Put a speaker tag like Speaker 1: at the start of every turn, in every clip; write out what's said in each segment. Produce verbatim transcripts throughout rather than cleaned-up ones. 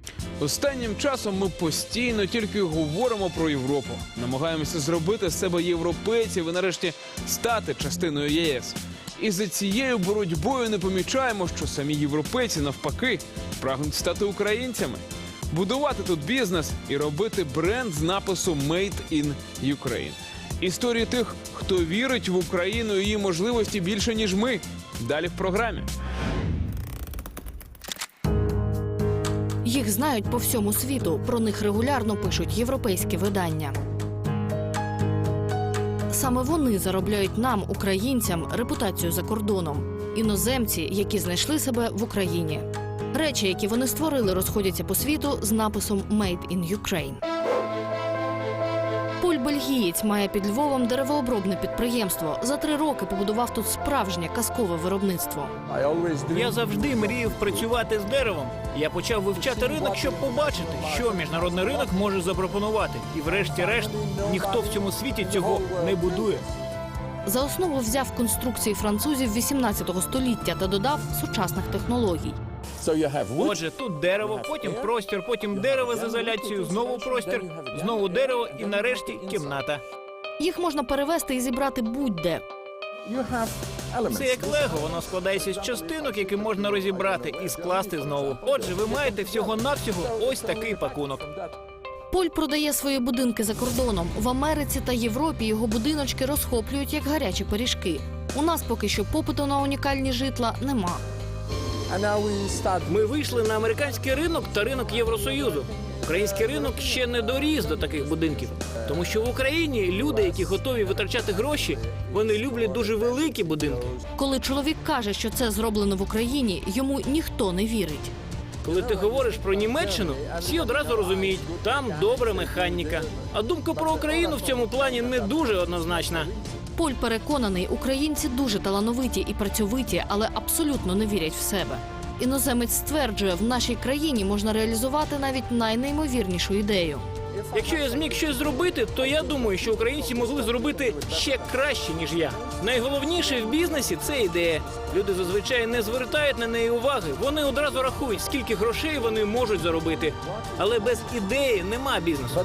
Speaker 1: Останнім часом ми постійно тільки говоримо про Європу. Намагаємося зробити з себе європейців і нарешті стати частиною ЄС. І за цією боротьбою не помічаємо, що самі європейці навпаки прагнуть стати українцями. Будувати тут бізнес і робити бренд з напису «Made in Ukraine». Історії тих, хто вірить в Україну і її можливості більше, ніж ми. Далі в програмі.
Speaker 2: Їх знають по всьому світу, про них регулярно пишуть європейські видання. Саме вони заробляють нам, українцям, репутацію за кордоном. Іноземці, які знайшли себе в Україні. Речі, які вони створили, розходяться по світу з написом «Made in Ukraine». Поль Бельгієць має під Львовом деревообробне підприємство. За три роки побудував тут справжнє казкове виробництво.
Speaker 3: Я завжди мріяв працювати з деревом. Я почав вивчати ринок, щоб побачити, що міжнародний ринок може запропонувати. І врешті-решт, ніхто в цьому світі цього не будує.
Speaker 2: За основу взяв конструкції французів вісімнадцятого століття та додав сучасних технологій.
Speaker 3: Отже, тут дерево, потім простір, потім дерево з ізоляцією, знову простір, знову дерево і нарешті кімната.
Speaker 2: Їх можна перевезти і зібрати будь-де.
Speaker 3: Це як лего, воно складається з частинок, які можна розібрати і скласти знову. Отже, ви маєте всього-навсього ось такий пакунок.
Speaker 2: Поль продає свої будинки за кордоном. В Америці та Європі його будиночки розхоплюють, як гарячі пиріжки. У нас поки що попиту на унікальні житла нема.
Speaker 3: Ми вийшли на американський ринок та ринок Євросоюзу. Український ринок ще не доріс до таких будинків. Тому що в Україні люди, які готові витрачати гроші, вони люблять дуже великі будинки.
Speaker 2: Коли чоловік каже, що це зроблено в Україні, йому ніхто не вірить.
Speaker 3: Коли ти говориш про Німеччину, всі одразу розуміють, там добра механіка. А думка про Україну в цьому плані не дуже однозначна.
Speaker 2: Поль переконаний, українці дуже талановиті і працьовиті, але абсолютно не вірять в себе. Іноземець стверджує, в нашій країні можна реалізувати навіть найнеймовірнішу ідею.
Speaker 3: Якщо я зміг щось зробити, то я думаю, що українці могли зробити ще краще, ніж я. Найголовніше в бізнесі – це ідея. Люди зазвичай не звертають на неї уваги. Вони одразу рахують, скільки грошей вони можуть заробити. Але без ідеї нема бізнесу.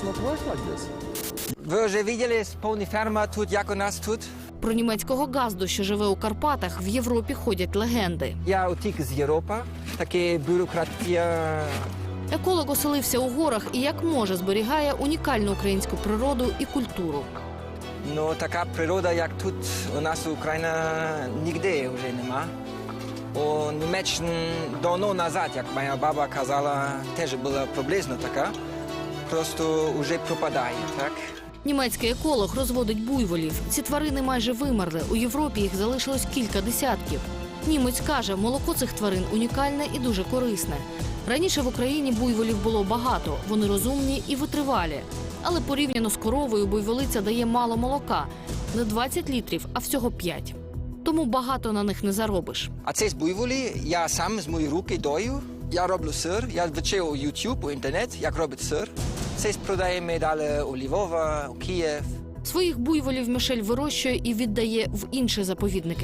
Speaker 4: Ви вже бачили повні ферма тут, як у нас тут?
Speaker 2: Про німецького газду, що живе у Карпатах, в Європі ходять легенди.
Speaker 4: Я утік з Європи, таке бюрократія.
Speaker 2: Еколог оселився у горах і як може зберігає унікальну українську природу і культуру.
Speaker 4: Ну, така природа, як тут у нас в Україні, ніде вже нема. У Німеччині давно назад, як моя баба казала, теж була приблизно така. Просто вже пропадає, так?
Speaker 2: Німецький еколог розводить буйволів. Ці тварини майже вимерли. У Європі їх залишилось кілька десятків. Німець каже, молоко цих тварин унікальне і дуже корисне. Раніше в Україні буйволів було багато, вони розумні і витривалі. Але порівняно з коровою буйволиця дає мало молока. Не двадцять літрів, а всього п'ять. Тому багато на них не заробиш.
Speaker 4: А це з буйволі, я сам з моєї руки дою. Я роблю сир, я вчив у YouTube, у інтернет, як робити сир. Це продаємо далі у Львова, у Київ.
Speaker 2: Своїх буйволів Мішель вирощує і віддає в інші заповідники.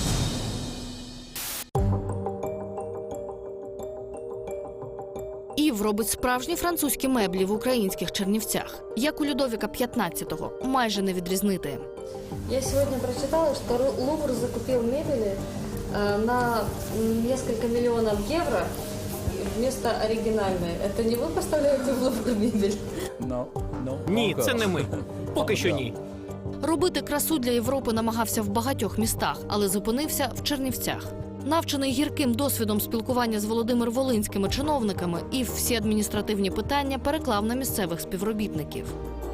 Speaker 2: Ів робить справжні французькі меблі в українських Чернівцях. Як у Людовіка п'ятнадцятого, майже не відрізнити.
Speaker 5: Я сегодня прочитала, что Лувр закупил мебели э, на несколько миллионов евро вместо оригинальной. Это не вы поставляете в Лувр мебель?
Speaker 3: Ні, це не ми. Поки що ні.
Speaker 2: Робити красу для Європи намагався в багатьох містах, але зупинився в Чернівцях. Навчений гірким досвідом спілкування з Володимир-Волинськими чиновниками, Ів всі адміністративні питання переклав на місцевих співробітників.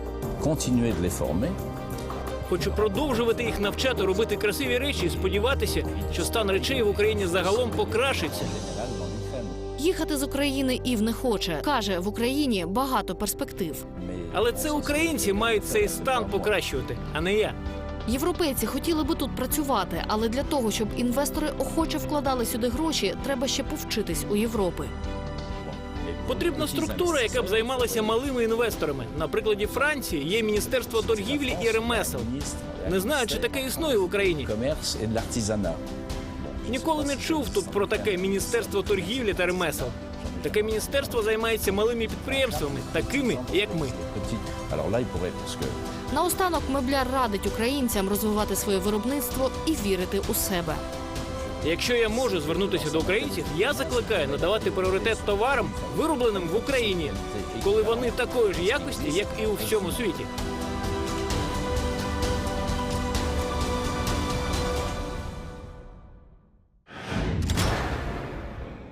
Speaker 3: Хочу продовжувати їх навчати робити красиві речі і сподіватися, що стан речей в Україні загалом покращиться.
Speaker 2: Їхати з України Ів не хоче. Каже, в Україні багато перспектив.
Speaker 3: Але це українці мають цей стан покращувати, а не я.
Speaker 2: Європейці хотіли би тут працювати, але для того, щоб інвестори охоче вкладали сюди гроші, треба ще повчитись у Європи.
Speaker 3: Потрібна структура, яка б займалася малими інвесторами. На прикладі Франції є Міністерство торгівлі і ремесел. Не знаю, чи таке існує в Україні. Ніколи не чув тут про таке Міністерство торгівлі та ремесел. Таке міністерство займається малими підприємствами, такими, як ми.
Speaker 6: Alors là, il pourrait, parce que
Speaker 2: Наостанок мебляр радить українцям розвивати своє виробництво і вірити у себе.
Speaker 3: Якщо я можу звернутися до українців, я закликаю надавати пріоритет товарам, виробленим в Україні, коли вони такої ж якості, як і у всьому світі.